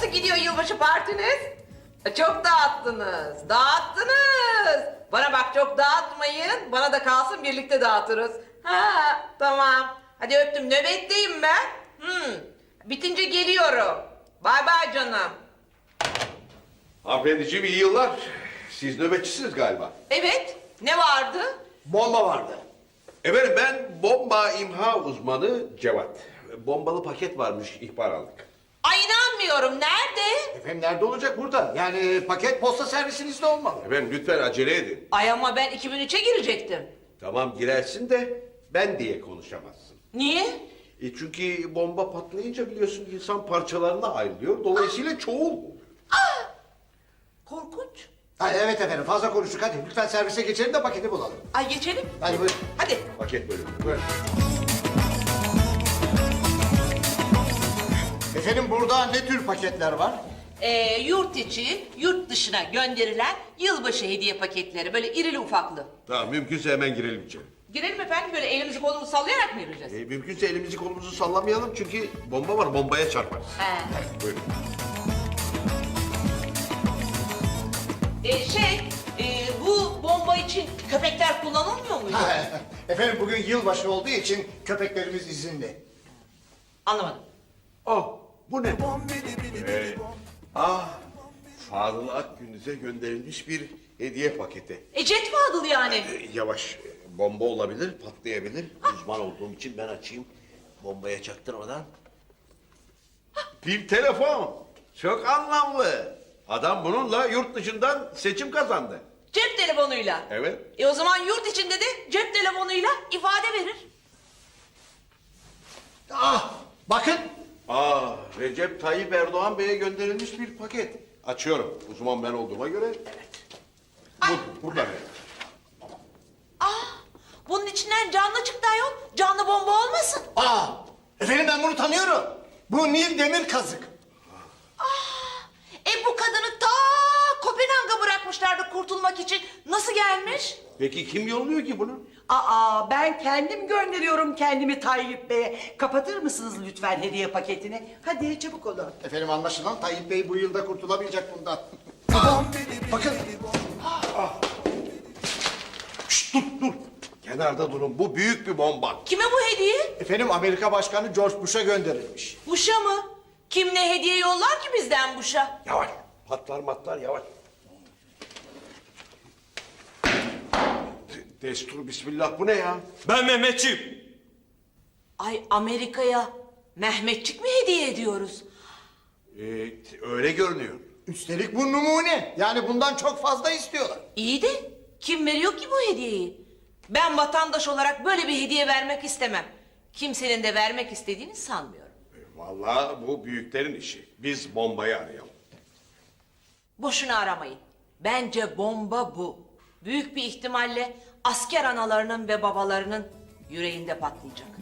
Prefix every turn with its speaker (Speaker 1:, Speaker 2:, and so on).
Speaker 1: Nasıl gidiyor yılbaşı partiniz? Çok dağıttınız, dağıttınız. Bana bak çok dağıtmayın, bana da kalsın birlikte dağıtırız. Ha tamam, hadi öptüm, nöbetteyim ben. Bitince geliyorum. Bay bay canım.
Speaker 2: Hanımefendiciğim iyi yıllar. Siz nöbetçisiniz galiba.
Speaker 1: Evet, ne vardı?
Speaker 3: Bomba vardı.
Speaker 2: Efendim ben bomba imha uzmanı Cevat. Bombalı paket varmış, ihbar aldık.
Speaker 1: Ay inanmıyorum, nerede?
Speaker 3: Efendim nerede olacak burada? Yani paket posta servisinizde olmalı.
Speaker 2: Efendim lütfen acele edin.
Speaker 1: Ay ama ben 2003'e girecektim.
Speaker 2: Tamam girersin de ben diye konuşamazsın.
Speaker 1: Niye?
Speaker 2: Çünkü bomba patlayınca biliyorsun insan parçalarına ayrılıyor. Dolayısıyla çoğul.
Speaker 1: Korkunç.
Speaker 3: Ha, evet efendim fazla konuştuk hadi. Lütfen servise geçelim de paketi bulalım.
Speaker 1: Ay geçelim.
Speaker 3: Hadi buyurun.
Speaker 1: Hadi.
Speaker 2: Paket bölümü. Buyurun.
Speaker 3: Efendim burada ne tür paketler var?
Speaker 1: Yurt içi, yurt dışına gönderilen yılbaşı hediye paketleri. Böyle irili ufaklı.
Speaker 2: Tamam mümkünse hemen girelim içeri.
Speaker 1: Girelim efendim, böyle elimizi kolumuzu sallayarak mı yürüyeceğiz?
Speaker 2: Mümkünse elimizi kolumuzu sallamayalım çünkü bomba var, bombaya çarparız.
Speaker 1: He.
Speaker 2: Buyurun.
Speaker 1: Bu bomba için köpekler kullanılmıyor muydu?
Speaker 3: Efendim bugün yılbaşı olduğu için köpeklerimiz izinli.
Speaker 1: Anlamadım.
Speaker 2: Oh, bu ne? Fadıl Akgündüz'e gönderilmiş bir hediye paketi.
Speaker 1: Jet Fadıl yani.
Speaker 2: Yavaş, bomba olabilir, patlayabilir. Uzman olduğum için ben açayım. Bombaya çaktırmadan. Bir telefon. Çok anlamlı. Adam bununla yurt dışından seçim kazandı.
Speaker 1: Cep telefonuyla.
Speaker 2: Evet.
Speaker 1: O zaman yurt içinde de cep telefonuyla ifade verir.
Speaker 3: Ah bakın.
Speaker 2: Recep Tayyip Erdoğan Bey'e gönderilmiş bir paket. Açıyorum. Uzman ben olduğuma göre. Evet. Burada ne?
Speaker 1: Bunun içinden canlı çıktı ayol. Canlı bomba olmasın.
Speaker 3: Efendim ben bunu tanıyorum. Bu Nil Demir Kazık.
Speaker 1: Bu kadını ta Kopenhag'a bırakmışlardı kurtulmak için. Nasıl gelmiş?
Speaker 2: Peki kim yolluyor ki bunu?
Speaker 4: Ben kendim gönderiyorum kendimi Tayyip Bey'e. Kapatır mısınız lütfen hediye paketini? Hadi çabuk olun.
Speaker 3: Efendim anlaşılan Tayyip Bey bu yılda kurtulamayacak bundan. Bakın.
Speaker 2: Şşt, dur. Kenarda durun. Bu büyük bir bomba.
Speaker 1: Kime bu hediye?
Speaker 3: Efendim Amerika Başkanı George Bush'a gönderilmiş.
Speaker 1: Bush'a mı? Kim ne hediye yollar ki bizden Bush'a?
Speaker 2: Yavaş. Patlar matlar yavaş. Destur bismillah bu ne ya?
Speaker 5: Ben Mehmetçiyim.
Speaker 1: Ay Amerika'ya Mehmetçik mi hediye ediyoruz?
Speaker 2: Öyle görünüyor.
Speaker 3: Üstelik bu numune. Yani bundan çok fazla istiyorlar.
Speaker 1: İyi de kim veriyor ki bu hediyeyi? Ben vatandaş olarak böyle bir hediye vermek istemem. Kimsenin de vermek istediğini sanmıyorum.
Speaker 2: Vallahi bu büyüklerin işi. Biz bombayı arayalım.
Speaker 1: Boşuna aramayın. Bence bomba bu. Büyük bir ihtimalle asker analarının ve babalarının yüreğinde patlayacak.